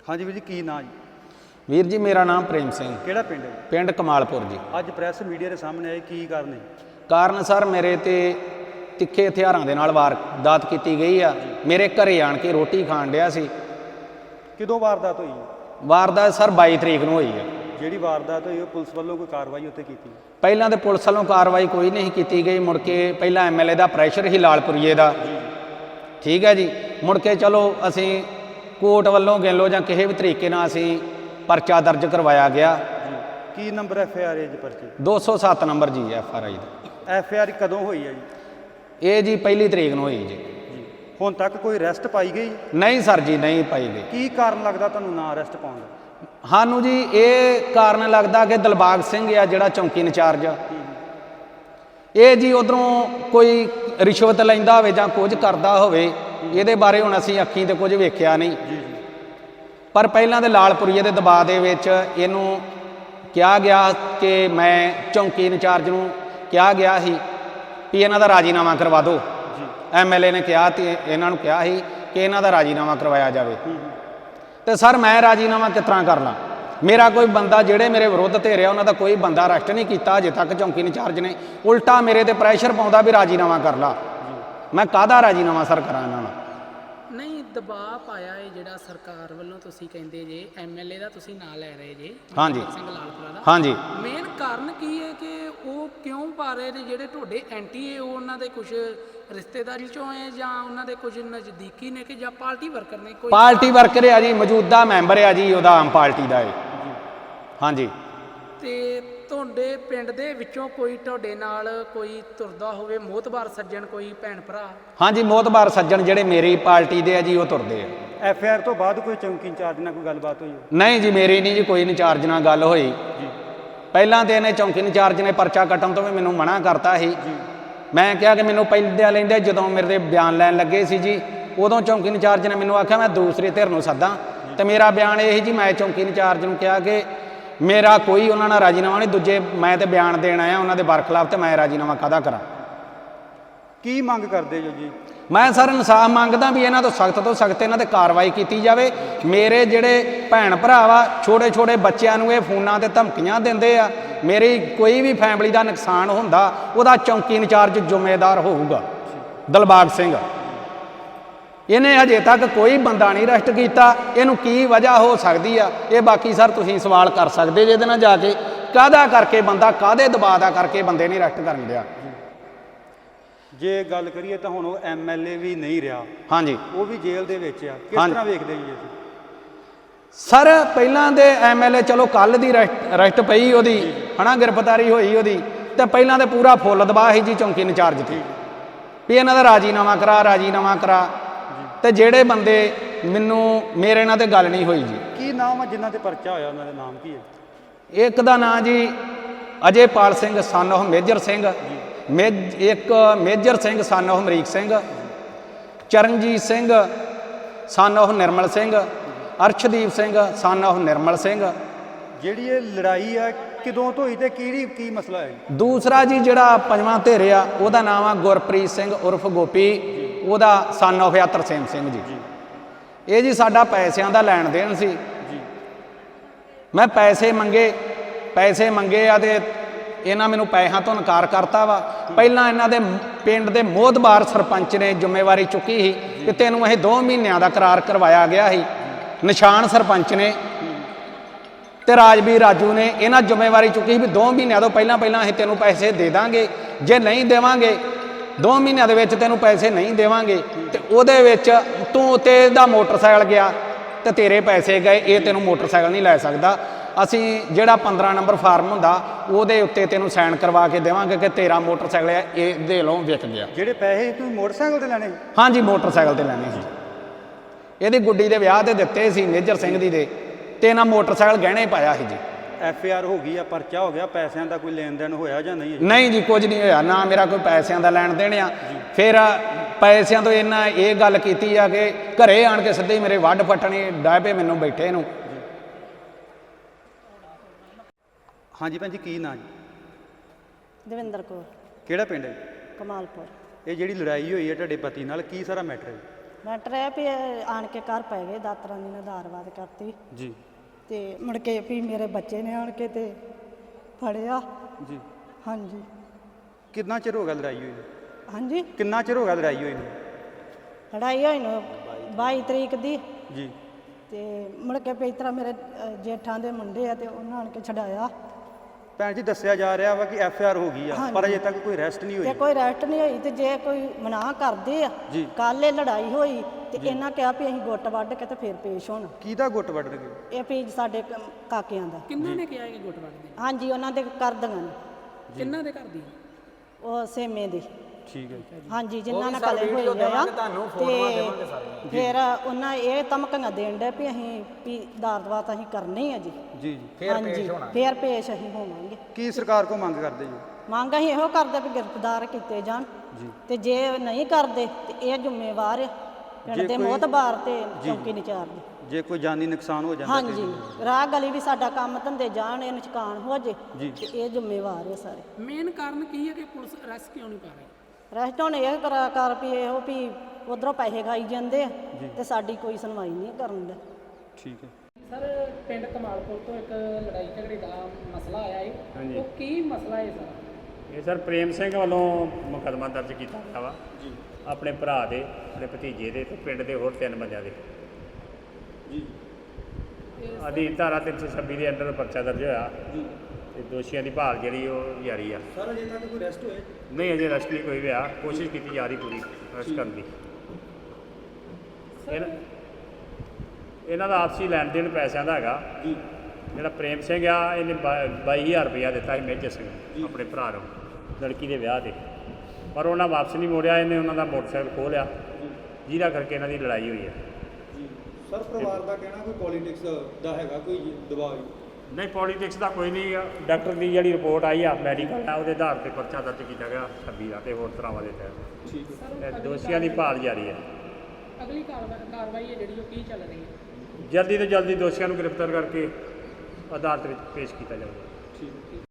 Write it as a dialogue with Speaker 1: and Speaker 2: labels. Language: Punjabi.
Speaker 1: हाँ जी वीर जी की ना जी?
Speaker 2: ਵੀਰ ਜੀ ਮੇਰਾ ਨਾਮ ਪ੍ਰੇਮ ਸਿੰਘ,
Speaker 1: ਕਿਹੜਾ ਪਿੰਡ ਹੈ?
Speaker 2: ਪਿੰਡ ਕਮਾਲਪੁਰ ਜੀ।
Speaker 1: ਅੱਜ ਪ੍ਰੈਸ ਮੀਡੀਆ ਦੇ ਸਾਹਮਣੇ ਆਏ ਕੀ ਕਾਰਨ ਹੈ?
Speaker 2: ਕਾਰਨ ਸਰ ਮੇਰੇ ਤੇ ਤਿੱਖੇ ਹਥਿਆਰਾਂ ਦੇ ਨਾਲ ਵਾਰਦਾਤ ਕੀਤੀ ਗਈ ਆ। ਮੇਰੇ ਘਰੇ ਆਣ ਕੇ ਰੋਟੀ ਖਾਣ ਡਿਆ ਸੀ।
Speaker 1: ਕਿਦੋਂ ਵਾਰਦਾਤ ਹੋਈ?
Speaker 2: ਵਾਰਦਾਤ ਸਰ 22 ਤਰੀਕ ਨੂੰ ਹੋਈ ਹੈ।
Speaker 1: ਜਿਹੜੀ ਵਾਰਦਾਤ ਹੋਈ ਉਹ ਪੁਲਿਸ ਵੱਲੋਂ ਕੋਈ ਕਾਰਵਾਈ ਉੱਤੇ ਕੀਤੀ?
Speaker 2: ਪਹਿਲਾਂ ਤੇ ਪੁਲਿਸ ਵੱਲੋਂ ਕਾਰਵਾਈ ਕੋਈ ਨਹੀਂ ਕੀਤੀ ਗਈ। ਮੁੜ ਕੇ ਪਹਿਲਾਂ ਐਮਐਲਏ ਦਾ ਪ੍ਰੈਸ਼ਰ ਹੀ ਲਾਲਪੁਰੀਏ ਦਾ, ਠੀਕ ਹੈ ਜੀ। ਮੁੜ ਕੇ ਚਲੋ ਅਸੀਂ ਕੋਰਟ ਵੱਲੋਂ ਗਿਣ ਲਓ ਜਾਂ ਕਿਸੇ ਵੀ ਤਰੀਕੇ ਨਾਲ ਅਸੀਂ ਪਰਚਾ ਦਰਜ ਕਰਵਾਇਆ ਗਿਆ।
Speaker 1: ਜੀ ਕੀ ਨੰਬਰ ਐਫਆਰ ਹੈ ਜੀ ਪਰਚੇ?
Speaker 2: 207 ਨੰਬਰ ਜੀ ਐਫਆਰਆਈ ਦਾ।
Speaker 1: ਐਫਆਰ ਕਦੋਂ ਹੋਈ ਹੈ ਜੀ?
Speaker 2: ਇਹ ਜੀ 1 ਤਰੀਕ ਨੂੰ ਹੋਈ ਜੀ।
Speaker 1: ਜੀ ਹੁਣ ਤੱਕ ਕੋਈ ਅਰੈਸਟ ਪਾਈ ਗਈ?
Speaker 2: ਨਹੀਂ ਸਰ ਜੀ, ਨਹੀਂ ਪਾਈ ਗਈ।
Speaker 1: ਕੀ ਕਾਰਨ ਲੱਗਦਾ ਤੁਹਾਨੂੰ ਨਾ ਅਰੈਸਟ ਪਾਉਣ ਦਾ?
Speaker 2: ਸਾਨੂੰ ਜੀ ਇਹ ਕਾਰਨ ਲੱਗਦਾ ਕਿ ਦਿਲਬਾਗ ਸਿੰਘ ਆ ਜਿਹੜਾ ਚੌਂਕੀ ਇੰਚਾਰਜ, ਇਹ ਜੀ ਉਧਰੋਂ ਕੋਈ ਰਿਸ਼ਵਤ ਲੈਂਦਾ ਹੋਵੇ ਜਾਂ ਕੁਝ ਕਰਦਾ ਹੋਵੇ। ਇਹਦੇ ਬਾਰੇ ਹੁਣ ਅਸੀਂ ਅੱਖੀਂ ਤੇ ਕੁਝ ਵੇਖਿਆ ਨਹੀਂ, ਪਰ ਪਹਿਲਾਂ ਦੇ ਲਾਲਪੁਰੀਏ ਦੇ ਦਬਾਅ ਦੇ ਵਿੱਚ ਇਹਨੂੰ ਕਿਹਾ ਗਿਆ ਕਿ ਮੈਂ ਚੌਂਕੀ ਇੰਚਾਰਜ ਨੂੰ ਕਿਹਾ ਗਿਆ ਸੀ ਵੀ ਇਹਨਾਂ ਦਾ ਰਾਜੀਨਾਮਾ ਕਰਵਾ ਦਿਓ। ਐਮਐਲਏ ਨੇ ਕਿਹਾ ਤੇ ਇਹਨਾਂ ਨੂੰ ਕਿਹਾ ਸੀ ਕਿ ਇਹਨਾਂ ਦਾ ਰਾਜੀਨਾਮਾ ਕਰਵਾਇਆ ਜਾਵੇ। ਤੇ ਸਰ ਮੈਂ ਰਾਜੀਨਾਮਾ ਕਿਸ ਤਰ੍ਹਾਂ ਕਰ ਲਾਂ? ਮੇਰਾ ਕੋਈ ਬੰਦਾ, ਜਿਹੜੇ ਮੇਰੇ ਵਿਰੁੱਧ ਧੇਰਿਆ ਉਹਨਾਂ ਦਾ ਕੋਈ ਬੰਦਾ ਅਰੈਸਟ ਨਹੀਂ ਕੀਤਾ ਅਜੇ ਤੱਕ ਚੌਂਕੀ ਇੰਚਾਰਜ ਨੇ। ਉਲਟਾ ਮੇਰੇ ਤੇ ਪ੍ਰੈਸ਼ਰ ਪਾਉਂਦਾ ਵੀ ਰਾਜੀਨਾਮਾ ਕਰ ਲਾ। ਮੈਂ ਕਾਹਦਾ ਰਾਜੀਨਾਮਾ ਸਰ ਕਰਾਂ ਇਹਨਾਂ ਨਾਲ?
Speaker 3: ਨਹੀਂ ਦਬਾਅ ਪਾਇਆ ਹੈ ਜਿਹੜਾ ਸਰਕਾਰ ਵੱਲੋਂ, ਤੁਸੀਂ ਕਹਿੰਦੇ ਜੇ ਐਮਐਲਏ ਦਾ ਤੁਸੀਂ ਨਾਂ ਲੈ ਰਹੇ ਜੇ
Speaker 2: ਹਾਂਜੀ
Speaker 3: ਸਿੰਘ ਲਾਲਪੁਰਾ ਦਾ।
Speaker 2: ਹਾਂਜੀ,
Speaker 3: ਮੇਨ ਕਾਰਨ ਕੀ ਹੈ ਕਿ ਉਹ ਕਿਉਂ ਪਾ ਰਹੇ ਨੇ? ਜਿਹੜੇ ਤੁਹਾਡੇ ਐਂਟੀ ਹੈ ਉਹ ਉਹਨਾਂ ਦੇ ਕੁਝ ਰਿਸ਼ਤੇਦਾਰੀ ਚੋਂ ਹੈ ਜਾਂ ਉਹਨਾਂ ਦੇ ਕੁਝ ਨਜ਼ਦੀਕੀ ਨੇ ਕਿ ਜਾਂ ਪਾਰਟੀ ਵਰਕਰ ਨੇ? ਕੋਈ
Speaker 2: ਪਾਰਟੀ ਵਰਕਰ ਆ ਜੀ, ਮੌਜੂਦਾ ਮੈਂਬਰ ਆ ਜੀ ਉਹਦਾ ਆਮ ਪਾਰਟੀ ਦਾ ਹੈ। ਹਾਂਜੀ।
Speaker 3: ਤੇ ਤੁਹਾਡੇ ਪਿੰਡ ਦੇ ਵਿੱਚੋਂ ਕੋਈ ਤੁਹਾਡੇ ਨਾਲ ਕੋਈ ਤੁਰਦਾ ਹੋਵੇ ਮੋਹਤਬਾਰ ਸੱਜਣ, ਕੋਈ ਭੈਣ ਭਰਾ?
Speaker 2: ਹਾਂਜੀ, ਮੋਹਤਬਾਰ ਸੱਜਣ ਜਿਹੜੇ ਮੇਰੀ ਪਾਰਟੀ ਦੇ ਆ ਜੀ ਉਹ ਤੁਰਦੇ ਆ।
Speaker 1: ਐਫਆਰ ਤੋਂ ਬਾਅਦ ਕੋਈ ਚੌਂਕੀ ਇੰਚਾਰਜ ਨਾਲ ਕੋਈ ਗੱਲਬਾਤ ਹੋਈ?
Speaker 2: ਨਹੀਂ ਜੀ, ਮੇਰੀ ਨਹੀਂ ਜੀ ਕੋਈ ਇੰਚਾਰਜ ਨਾਲ ਗੱਲ ਹੋਈ। ਪਹਿਲਾਂ ਤੇ ਇਹਨੇ ਚੌਂਕੀ ਇੰਚਾਰਜ ਨੇ ਪਰਚਾ ਕੱਟਣ ਤੋਂ ਵੀ ਮੈਨੂੰ ਮਨਾ ਕਰਤਾ ਸੀ। ਮੈਂ ਕਿਹਾ ਕਿ ਮੈਨੂੰ ਪਹਿਲੇ ਲੈਂਦੇ ਜਦੋਂ ਮੇਰੇ ਦੇ ਬਿਆਨ ਲੈਣ ਲੱਗੇ ਸੀ ਜੀ, ਉਦੋਂ ਚੌਂਕੀ ਇੰਚਾਰਜ ਨੇ ਮੈਨੂੰ ਆਖਿਆ ਮੈਂ ਦੂਸਰੇ ਧਿਰ ਨੂੰ ਸੱਦਾਂ। ਤੇ ਮੇਰਾ ਬਿਆਨ ਇਹ ਜੀ, ਮੈਂ ਚੌਂਕੀ ਇੰਚਾਰਜ ਨੂੰ ਕਿਹਾ ਕਿ ਮੇਰਾ ਕੋਈ ਉਹਨਾਂ ਨਾਲ ਰਾਜੀਨਾਮਾ ਨਹੀਂ, ਦੂਜੇ ਮੈਂ ਤੇ ਬਿਆਨ ਦੇਣ ਆਇਆ ਉਹਨਾਂ ਦੇ ਬਰਖਲਾਫ, ਤੇ ਮੈਂ ਰਾਜੀਨਾਮਾ ਕਾਹਦਾ ਕਰਾਂ?
Speaker 1: ਕੀ ਮੰਗ ਕਰਦੇ ਜੋ ਜੀ?
Speaker 2: ਮੈਂ ਸਰ ਇਨਸਾਫ ਮੰਗਦਾ ਵੀ ਇਹਨਾਂ ਤੋਂ ਸਖਤ ਇਹਨਾਂ ਤੇ ਕਾਰਵਾਈ ਕੀਤੀ ਜਾਵੇ। ਮੇਰੇ ਜਿਹੜੇ ਭੈਣ ਭਰਾ ਵਾ, ਛੋਟੇ ਛੋਟੇ ਬੱਚਿਆਂ ਨੂੰ ਇਹ ਫੋਨਾਂ ਤੇ ਧਮਕੀਆਂ ਦਿੰਦੇ ਆ। ਮੇਰੀ ਕੋਈ ਵੀ ਫੈਮਿਲੀ ਦਾ ਨੁਕਸਾਨ ਹੁੰਦਾ ਉਹਦਾ ਚੌਂਕੀ ਇੰਚਾਰਜ ਜ਼ਿੰਮੇਦਾਰ ਹੋਊਗਾ, ਦਿਲਬਾਗ ਸਿੰਘ। ਇਹਨੇ ਹਜੇ ਤੱਕ ਕੋਈ ਬੰਦਾ ਨਹੀਂ ਅਰੈਸਟ ਕੀਤਾ। ਇਹਨੂੰ ਕੀ ਵਜ੍ਹਾ ਹੋ ਸਕਦੀ ਆ? ਇਹ ਬਾਕੀ ਸਰ ਤੁਸੀਂ ਸਵਾਲ ਕਰ ਸਕਦੇ ਜੇ ਇਹਦੇ ਨਾਲ ਜਾ ਕੇ, ਕਾਹਦਾ ਕਰਕੇ ਬੰਦਾ, ਕਾਹਦੇ ਦਬਾਅ ਦਾ ਕਰਕੇ ਬੰਦੇ ਨਹੀਂ ਅਰੈਸਟ ਕਰਨ ਡਿਆ।
Speaker 1: ਜੇ ਗੱਲ ਕਰੀਏ ਤਾਂ ਹੁਣ ਉਹ ਐਮਐਲਏ ਵੀ ਨਹੀਂ ਰਿਹਾ।
Speaker 2: ਹਾਂਜੀ,
Speaker 1: ਉਹ ਵੀ ਜੇਲ੍ਹ ਦੇ ਵਿੱਚ ਆ। ਕਿਸ ਤਰ੍ਹਾਂ ਵੇਖਦੇ ਜੀ ਤੁਸੀਂ?
Speaker 2: ਸਰ ਪਹਿਲਾਂ ਦੇ ਐਮਐਲਏ, ਚਲੋ ਕੱਲ ਦੀ ਅਰੈਸਟ ਪਈ ਉਹਦੀ, ਹਨਾ, ਗ੍ਰਿਫਤਾਰੀ ਹੋਈ ਉਹਦੀ, ਤੇ ਪਹਿਲਾਂ ਤੇ ਪੂਰਾ ਫੁੱਲ ਦਬਾਅ ਸੀ ਜੀ ਚੌਂਕੀ ਇੰਚਾਰਜ ਤੇ ਵੀ ਇਹਨਾਂ ਦਾ ਰਾਜੀਨਾਮਾ ਕਰਾ। ਤੇ ਜਿਹੜੇ ਬੰਦੇ ਮੇਰੇ ਨਾਲ ਤੇ ਗੱਲ ਨਹੀਂ ਹੋਈ ਜੀ।
Speaker 1: ਕੀ ਨਾਮ ਆ ਜਿਨ੍ਹਾਂ ਤੇ ਪਰਚਾ ਹੋਇਆ, ਉਹਨਾਂ ਦਾ ਨਾਮ ਕੀ ਹੈ?
Speaker 2: ਇੱਕ ਦਾ ਨਾਂ ਜੀ ਅਜੇਪਾਲ ਸਿੰਘ ਸਨ ਉਹ ਮੇਜਰ ਸਿੰਘ, ਇੱਕ ਮੇਜਰ ਸਿੰਘ ਸਨ ਉਹ ਅਮਰੀਕ ਸਿੰਘ, ਚਰਨਜੀਤ ਸਿੰਘ ਸਨ ਉਹ ਨਿਰਮਲ ਸਿੰਘ, ਅਰਸ਼ਦੀਪ ਸਿੰਘ ਸਨ ਉਹ ਨਿਰਮਲ ਸਿੰਘ।
Speaker 1: ਜਿਹੜੀ ਇਹ ਲੜਾਈ ਆ ਕਿਦੋਂ ਤੋਂ ਹੋਈ ਤੇ ਕੀ ਮਸਲਾ ਹੈ?
Speaker 2: ਦੂਸਰਾ ਜੀ ਜਿਹੜਾ ਪੰਜਵਾਂ ਧਿਰ ਆ ਉਹਦਾ ਨਾਮ ਆ ਗੁਰਪ੍ਰੀਤ ਸਿੰਘ ਉਰਫ ਗੋਪੀ, ਉਹਦਾ ਸਨ ਆਫ ਤਰਸੇਮ ਸਿੰਘ ਜੀ। ਇਹ ਜੀ ਸਾਡਾ ਪੈਸਿਆਂ ਦਾ ਲੈਣ ਦੇਣ ਸੀ। ਮੈਂ ਪੈਸੇ ਮੰਗੇ ਆ ਤੇ ਇਹਨਾਂ ਮੈਨੂੰ ਪੈਸਿਆਂ ਤੋਂ ਇਨਕਾਰ ਕਰਤਾ ਵਾ। ਪਹਿਲਾਂ ਇਹਨਾਂ ਦੇ ਪਿੰਡ ਦੇ ਮੋਹਤਬਾਰ ਸਰਪੰਚ ਨੇ ਜ਼ਿੰਮੇਵਾਰੀ ਚੁੱਕੀ ਸੀ ਕਿ ਤੈਨੂੰ ਇਹ 2 ਮਹੀਨਿਆਂ ਦਾ ਕਰਾਰ ਕਰਵਾਇਆ ਗਿਆ ਸੀ। ਨਿਸ਼ਾਨ ਸਰਪੰਚ ਨੇ ਤੇ ਰਾਜਵੀਰ ਰਾਜੂ ਨੇ ਇਹਨਾਂ ਜ਼ਿੰਮੇਵਾਰੀ ਚੁੱਕੀ ਵੀ 2 ਮਹੀਨਿਆਂ ਤੋਂ ਪਹਿਲਾਂ ਅਸੀਂ ਤੈਨੂੰ ਪੈਸੇ ਦੇ ਦਾਂਗੇ, ਜੇ ਨਹੀਂ ਦੇਵਾਂਗੇ 2 ਮਹੀਨਿਆਂ ਦੇ ਵਿੱਚ ਤੈਨੂੰ ਪੈਸੇ ਨਹੀਂ ਦੇਵਾਂਗੇ ਤੇ ਉਹਦੇ ਵਿੱਚ ਤੂੰ ਤੇ ਇਹਦਾ ਮੋਟਰਸਾਈਕਲ ਗਿਆ ਤੇ ਤੇਰੇ ਪੈਸੇ ਗਏ, ਇਹ ਤੈਨੂੰ ਮੋਟਰਸਾਈਕਲ ਨਹੀਂ ਲੈ ਸਕਦਾ। ਅਸੀਂ ਜਿਹੜਾ 15 ਨੰਬਰ ਫਾਰਮ ਹੁੰਦਾ ਉਹਦੇ ਉੱਤੇ ਤੈਨੂੰ ਸਾਈਨ ਕਰਵਾ ਕੇ ਦੇਵਾਂਗੇ ਕਿ ਤੇਰਾ ਮੋਟਰਸਾਈਕਲ ਹੈ ਇਹਦੇ ਵੱਲੋਂ ਵਿਕ ਗਿਆ।
Speaker 1: ਜਿਹੜੇ ਪੈਸੇ ਤੂੰ ਮੋਟਰਸਾਈਕਲ ਤੇ ਲੈਣੇ?
Speaker 2: ਹਾਂਜੀ, ਮੋਟਰਸਾਈਕਲ ਤੇ ਲੈਣੇ ਸੀ। ਇਹਦੀ ਗੁੱਡੀ ਦੇ ਵਿਆਹ ਤੇ ਦਿੱਤੇ ਸੀ ਮੇਜਰ ਸਿੰਘ ਦੀ ਦੇ, ਤੇ ਇਹਨਾਂ ਮੋਟਰਸਾਈਕਲ ਗਹਿਣੇ ਪਾਇਆ ਸੀ ਜੀ।
Speaker 1: ਐਫਆਰ ਹੋ ਗਈ ਆ, ਪਰਚਾ ਹੋ ਗਿਆ, ਪੈਸਿਆਂ ਦਾ ਕੋਈ ਲੈਣ ਦੇਣ ਹੋਇਆ ਜਾਂ ਨਹੀਂ?
Speaker 2: ਨਹੀਂ ਜੀ, ਕੁਝ ਨਹੀਂ ਹੋਇਆ, ਨਾ ਮੇਰਾ ਕੋਈ ਪੈਸਿਆਂ ਦਾ ਲੈਣ ਦੇਣ ਆ। ਫਿਰ ਪੈਸਿਆਂ ਤੋਂ ਇਹਨਾਂ ਇਹ ਗੱਲ ਕੀਤੀ ਆ ਕਿ ਘਰੇ ਆਣ ਕੇ ਸਿੱਧੇ ਮੇਰੇ ਵੱਢ ਫੱਟਣੇ ਡਾਹ ਪਏ ਮੈਨੂੰ ਬੈਠੇ ਨੂੰ।
Speaker 1: ਹਾਂਜੀ ਭੈਣ ਜੀ, ਕੀ ਨਾਂ ਜੀ?
Speaker 4: ਦਵਿੰਦਰ ਕੌਰ।
Speaker 1: ਕਿਹੜਾ ਪਿੰਡ ਹੈ?
Speaker 4: ਕਮਾਲਪੁਰ।
Speaker 1: ਇਹ ਜਿਹੜੀ ਲੜਾਈ ਹੋਈ ਹੈ ਤੁਹਾਡੇ ਪਤੀ ਨਾਲ, ਕੀ ਸਾਰਾ ਮੈਟਰ ਹੈ?
Speaker 4: ਮੈਟਰ ਇਹ ਵੀ ਇਹ ਆਣ ਕੇ ਘਰ ਪੈ ਗਏ, ਦਾਤਰਾਂ ਦੀ ਨਦਾਰਵਾਦ ਕਰਤੀ
Speaker 1: ਜੀ
Speaker 4: ਤੇ ਮੁੜ ਕੇ ਵੀ ਮੇਰੇ ਬੱਚੇ ਨੇ ਆਣ ਕੇ ਤੇ ਫੜਿਆ।
Speaker 1: ਜੀ
Speaker 4: ਹਾਂਜੀ
Speaker 1: ਕਿੰਨਾ ਚਿਰ ਹੋ ਗਿਆ ਲੜਾਈ ਹੋਈ ਨੂੰ?
Speaker 4: ਹਾਂਜੀ
Speaker 1: ਕਿੰਨਾ ਚਿਰ ਹੋ ਗਿਆ ਲੜਾਈ ਹੋਈ ਨੂੰ?
Speaker 4: ਲੜਾਈ ਹੋਈ ਨੂੰ 22 ਤਰੀਕ ਦੀ
Speaker 1: ਜੀ
Speaker 4: ਤੇ ਮੁੜ ਕੇ ਵੀ ਇਸ ਤਰ੍ਹਾਂ ਮੇਰੇ ਜੇਠਾਂ ਦੇ ਮੁੰਡੇ ਆ ਤੇ ਉਹਨਾਂ ਆਣ ਕੇ ਛਡਾਇਆ
Speaker 1: ਭੈਣ ਜੀ ਦੱਸਿਆ ਜਾ ਰਿਹਾ ਵਾ ਕਿ ਐਫ ਆਰ ਹੋ ਗਈ ਆ, ਪਰ ਅਜੇ ਤੱਕ ਕੋਈ ਅਰੈਸਟ ਨਹੀਂ
Speaker 4: ਤੇ
Speaker 1: ਹੋਈ।
Speaker 4: ਕੋਈ ਅਰੈਸਟ ਨਹੀਂ ਹੋਈ। ਤੇ ਜੇ ਕੋਈ ਮਨਾਹ ਕਰਦੇ ਆ,
Speaker 1: ਜੀ।
Speaker 4: ਕੱਲ੍ਹ ਇਹ ਲੜਾਈ ਹੋਈ ਤੇ ਇਹਨਾਂ ਕਿਹਾ ਵੀ ਅਸੀਂ ਗੁੱਟ ਵੱਢ ਕੇ ਤੇ ਫਿਰ ਪੇਸ਼ ਹੋਣਾ।
Speaker 1: ਕਿਹਦਾ ਗੁੱਟ ਵੱਢ ਗਏ?
Speaker 4: ਇਹ ਵੀ ਸਾਡੇ ਕਾਕਿਆਂ ਦਾ।
Speaker 3: ਕਿੰਨਾਂ ਨੇ ਕਿਹਾ ਕਿ ਗੁੱਟ ਵੱਢਦੇ?
Speaker 4: ਹਾਂਜੀ ਉਹਨਾਂ ਦੇ ਕਰਦੀਆਂ ਨੇ,
Speaker 3: ਕਿੰਨਾਂ ਦੇ ਘਰ ਦੀ?
Speaker 4: ਉਹ ਸੇਮੇ ਦੇ।
Speaker 1: ਠੀਕ ਹੈ।
Speaker 4: ਹਾਂਜੀ ਜਿਨ੍ਹਾਂ ਨਾਲ
Speaker 2: ਸਰ
Speaker 4: ਕਲੇ
Speaker 2: ਵੀਡੀਓ
Speaker 4: ਹੋਈ ਆ
Speaker 2: ਦੇਵਾਂਗੇ ਤੁਹਾਨੂੰ, ਫੋਟੋਆਂ ਦੇਵਾਂਗੇ ਸਾਰੀਆਂ।
Speaker 4: ਫਿਰ ਉਹਨਾਂ ਇਹ ਧਮਕੀਆਂ ਦੇਣ ਡੇ ਵੀ ਅਸੀਂ ਵੀ ਦਾਰਦਵਾਤ ਅਸੀਂ ਕਰਨੀ ਆ ਜੀ।
Speaker 1: ਜੀ ਜੀ
Speaker 2: ਫੇਰ ਪੇਸ਼ ਹੋਣਾ।
Speaker 4: ਫਿਰ ਪੇਸ਼ ਅਸੀਂ ਹੋਵਾਂਗੇ।
Speaker 1: ਕੀ ਸਰਕਾਰ ਕੋ ਮੰਗ ਕਰਦੇ ਜੀ?
Speaker 4: ਮੰਗ ਅਸੀਂ ਇਹੋ ਕਰਦੇ ਵੀ ਗ੍ਰਿਫਤਾਰ ਕੀਤੇ ਜਾਣ
Speaker 1: ਜੀ
Speaker 4: ਤੇ ਜੇ ਨਹੀਂ ਕਰਦੇ ਤੇ ਇਹ ਜ਼ਿੰਮੇਵਾਰ ਆ ਪਿੰਡ
Speaker 1: ਜੇ
Speaker 4: ਦੇ
Speaker 1: ਕੋਈ-
Speaker 4: ਮੋਹਤਬਾਰ ਤੇ ਚੌਕੀ ਇੰਚਾਰਜ ਦੇ।
Speaker 1: ਜੇ ਕੋਈ ਜਾਨੀ ਨੁਕਸਾਨ ਹੋ ਜਾਂਦਾ
Speaker 4: ਹਾਂਜੀ ਰਾਹ ਗਲੀ ਵੀ ਸਾਡਾ ਕੰਮ ਧੰਦੇ ਜਾਣ, ਇਹ ਨੁਕਸਾਨ ਹੋ ਜੇ
Speaker 1: ਜੀ।
Speaker 4: ਤੇ ਇਹ ਜ਼ਿੰਮੇਵਾਰ ਹੈ ਸਾਰੇ।
Speaker 3: ਮੇਨ ਕਾਰਨ ਕੀ ਹੈ ਕਿ ਪੁਲਿਸ ਅਰੈਸਟ ਕਿਉਂ ਨਹੀਂ ਪਾ ਰਹੀ?
Speaker 4: ਰੈਸਟ ਹੁਣ ਇਹ ਕਰ ਵੀ ਇਹੋ ਵੀ ਉਧਰੋਂ ਪੈਸੇ ਖਾਈ ਜਾਂਦੇ ਆ ਤੇ ਸਾਡੀ ਕੋਈ ਸੁਣਵਾਈ ਨਹੀਂ ਕਰਨ ਦਾ।
Speaker 1: ਠੀਕ ਹੈ।
Speaker 3: ਸਰ ਪਿੰਡ ਕਮਾਲਪੁਰ ਤੋਂ ਇੱਕ ਲੜਾਈ ਝਗੜੇ ਦਾ ਮਸਲਾ ਆਇਆ ਹੈ,
Speaker 5: ਹਾਂਜੀ।
Speaker 3: ਉਹ ਕੀ ਮਸਲਾ ਹੈ ਸਰ?
Speaker 5: ਇਹ ਸਰ ਪ੍ਰੇਮ ਸਿੰਘ ਵੱਲੋਂ ਮੁਕੱਦਮਾ ਦਰਜ ਕੀਤਾ ਗਿਆ ਵਾ
Speaker 1: ਜੀ
Speaker 5: ਆਪਣੇ ਭਰਾ ਦੇ, ਆਪਣੇ ਭਤੀਜੇ ਦੇ ਤੇ ਪਿੰਡ ਦੇ ਹੋਰ 3 ਬੰਦਿਆਂ ਦੇ।
Speaker 1: ਜੀ
Speaker 5: ਅਧੀਨ ਧਾਰਾ 326 ਦੇ ਅੰਡਰ ਪਰਚਾ ਦਰਜ ਹੋਇਆ
Speaker 1: ਜੀ
Speaker 5: ਤੇ ਦੋਸ਼ੀਆਂ ਦੀ ਭਾਲ ਜਿਹੜੀ ਉਹ ਜਾਰੀ ਆ।
Speaker 1: ਸਰ ਅਜੇ ਤੱਕ ਕੋਈ ਅਰੈਸਟ ਹੋਇਆ?
Speaker 5: ਨਹੀਂ ਅਜੇ ਅਰੈਸਟ ਨਹੀਂ ਕੋਈ ਹੋਇਆ, ਕੋਸ਼ਿਸ਼ ਕੀਤੀ ਜਾ ਰਹੀ ਪੂਰੀ ਅਰੈਸਟ ਕਰਨ ਦੀ। ਇਹਨਾਂ ਦਾ ਆਪਸੀ ਲੈਣ ਦੇਣ ਪੈਸਿਆਂ ਦਾ ਹੈਗਾ।
Speaker 1: ਜੀ
Speaker 5: ਜਿਹੜਾ ਪ੍ਰੇਮ ਸਿੰਘ ਆ ਇਹਨੇ 22,000 ਰੁਪਇਆ ਦਿੱਤਾ ਸੀ ਮੇਜਰ ਸਿੰਘ ਨੂੰ ਆਪਣੇ ਭਰਾ ਨੂੰ ਲੜਕੀ ਦੇ ਵਿਆਹ 'ਤੇ, ਪਰ ਉਹਨਾਂ ਵਾਪਸ ਨਹੀਂ ਮੋੜਿਆ। ਇਹਨੇ ਉਹਨਾਂ ਦਾ ਮੋਟਰਸਾਈਕਲ ਖੋਹ ਲਿਆ, ਜਿਹਦਾ ਕਰਕੇ ਇਹਨਾਂ ਦੀ ਲੜਾਈ ਹੋਈ ਹੈ।
Speaker 1: ਜੀ ਸਰ ਪਰਿਵਾਰ ਦਾ ਕਹਿਣਾ ਕੋਈ ਪੋਲੀਟਿਕਸ ਦਾ ਹੈਗਾ ਕੋਈ ਦਬਾਅ?
Speaker 5: ਨਹੀਂ ਪੋਲੀਟਿਕਸ ਦਾ ਕੋਈ ਨਹੀਂ ਆ। ਡਾਕਟਰ ਦੀ ਜਿਹੜੀ ਰਿਪੋਰਟ ਆਈ ਆ ਮੈਡੀਕਲ ਆ, ਉਹਦੇ ਆਧਾਰ ਤੇ ਪਰਚਾ ਦਰਜ ਕੀਤਾ ਗਿਆ 26 ਦਾ ਤੇ ਹੋਰ ਤਰ੍ਹਾਂਵਾਂ ਦੇ ਤਹਿਤ।
Speaker 1: ਠੀਕ ਹੈ।
Speaker 3: ਸਰ
Speaker 5: ਤੇ ਦੋਸ਼ੀਆਂ ਦੀ ਭਾਲ ਜਾਰੀ ਹੈ।
Speaker 3: ਅਗਲੀ ਕਾਰਵਾਈ ਹੈ ਜਿਹੜੀ ਉਹ ਕੀ ਚੱਲ ਰਹੀ ਹੈ?
Speaker 5: ਜਲਦੀ ਤੋਂ ਜਲਦੀ ਦੋਸ਼ੀਆਂ ਨੂੰ ਗ੍ਰਿਫਤਾਰ ਕਰਕੇ ਅਦਾਲਤ ਵਿੱਚ ਪੇਸ਼ ਕੀਤਾ ਜਾਊਗਾ।
Speaker 1: ਠੀਕ ਹੈ।